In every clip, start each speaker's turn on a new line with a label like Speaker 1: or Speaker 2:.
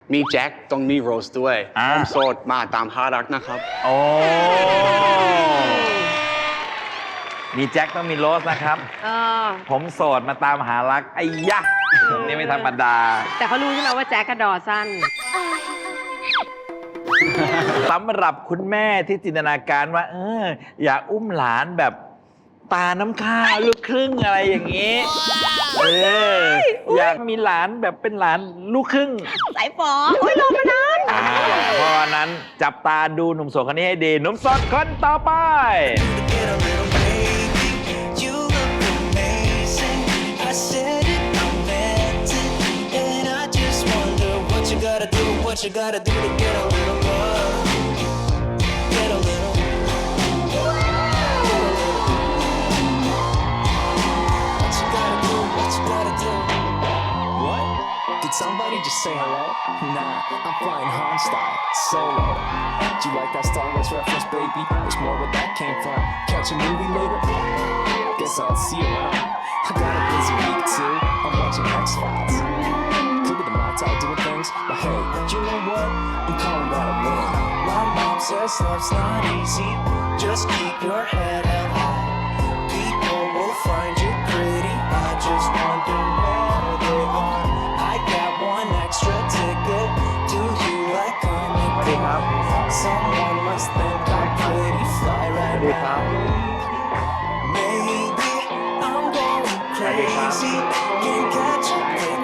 Speaker 1: มีแจ็คต้องมีโรสด้วยผมโสดมาตามหารักนะครับ
Speaker 2: โอ้มีแจ็คต้องมีโรสนะครับผมโสดมาตามหารักไอ้ยะนี่ไม่ธรรมดา
Speaker 3: แต่เขารู้ใช่ไหมว่าแจ็คกระดอสั้น
Speaker 2: สำหรับคุณแม่ที่จินตนาการว่าอยากอุ้มหลานแบบตาน้ำข้าวลูกครึ่งอะไรอย่างนี้อยากมีหลานแบบเป็นหลานลูกครึ่ง
Speaker 3: สายฝอโอ้ยรอมานาน
Speaker 2: เพราะนั้นจับตาดูหนุ่มโสดคนนี้ให้ดีหนุ่มโสดคนต่อไป
Speaker 4: What you gotta do to get a little love? Get a little. What you gotta do? What you gotta do? What? Did somebody just say hello? Nah, I'm flying Han style, solo. Do you like that Star Wars reference, baby? There's more where that came from. Catch a movie later? Guess I'll see you around. I got a busy week too. I'm watching X-Files. Doing things, but hey, you know what? I'm calling that a win. My mom says love's not easy. Just keep your head held high. People will find you pretty. I just wonder where they are. I got one extra ticket. Do you like coming home? Someone must think I'm pretty fly right now. Maybe I'm going crazy. Can't catch a break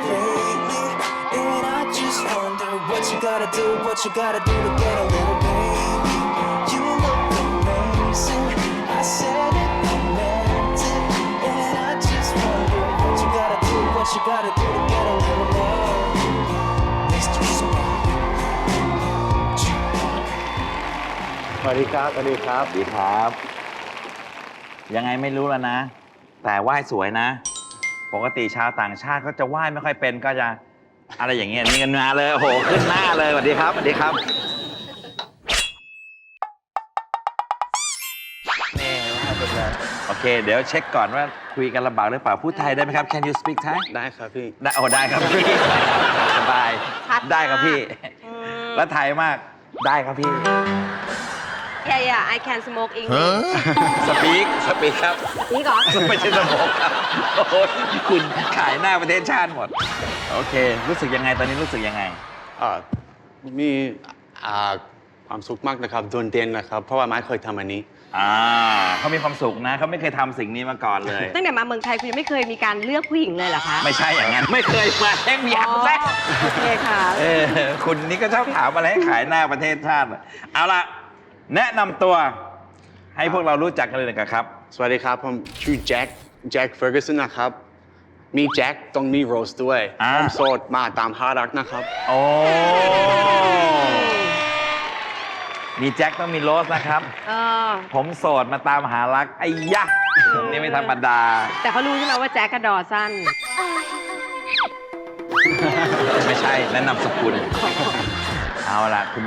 Speaker 4: lately.What you gotta do, what you gotta do to get a little baby. You look amazing. I said it, I meant it. And I just wonder what you gotta do, what you gotta do to get a little love. Mr. Smart.
Speaker 1: สวัสดีครับสวัสดีครับ
Speaker 2: สวัสดีครับ ยังไงไม่รู้แล้วนะ แต่ไหว้สวยนะ ปกติชาวต่างชาติเขาจะไหว้ไม่ค่อยเป็นก็จะอะไรอย่างเงี้ยนี่กันมาเลยโอ้โหขึ้นหน้าเลยสวัสดีครับสวัสดีครับโอเคเดี๋ยวเช็คก่อนว่าคุยกันลำบากหรือเปล่าพูดไทยได้ไหมครับ Can you speak Thai
Speaker 1: ได้ครับพี่
Speaker 2: ได้โอ้ได้ครับพี่สบายได้ครับพี่แล้วไทยมากได้ครับพี่
Speaker 3: Yeah, I can smoke English.
Speaker 2: สปีกครับ
Speaker 3: นี่ก่อน
Speaker 2: ไม่ใช่สโมกครับโอ้โหคุณขายหน้าประเทศชาติหมดโอเครู้สึกยังไงตอนนี้รู้สึกยังไง
Speaker 1: มีความสุขมากนะครับโดนเด่นนะครับเพราะว่าไม่เคยทำอันนี้
Speaker 2: เขามีความสุขนะเขาไม่เคยทำสิ่งนี้มาก่อนเลย
Speaker 3: ตั้งแต่มาเมืองไทยคุณยังไม่เคยมีการเลือกผู้หญิงเลยเหรอคะ
Speaker 2: ไม่ใช่อย่างนั้นไม่เคยมาแค่มีอันแรก
Speaker 3: โอเคค่ะ
Speaker 2: คุณนี่ก็ชอบถามอะไรให้ขายหน้าประเทศชาติเอาล่ะแนะนำตัวให้พวกเรารู้จักกันเลยนะครับ
Speaker 1: สวัสดีครับผมชื่อแจ็คเฟอร์กูสันนะครับมีแจ็คต้องมีโรสด้วยผมโสดมาตามหารักนะครับ
Speaker 2: โอ้มีแจ็คต้องมีโรสนะครับผมโสดมาตามหารักไอ้ยะนี่ไม่ธรรมดา
Speaker 3: แต่เขารู้ใช่ไหมว่าแจ็คกระดอสั้น
Speaker 2: ไม่ใช่แนะนำสกุลเอาล่ะคุณ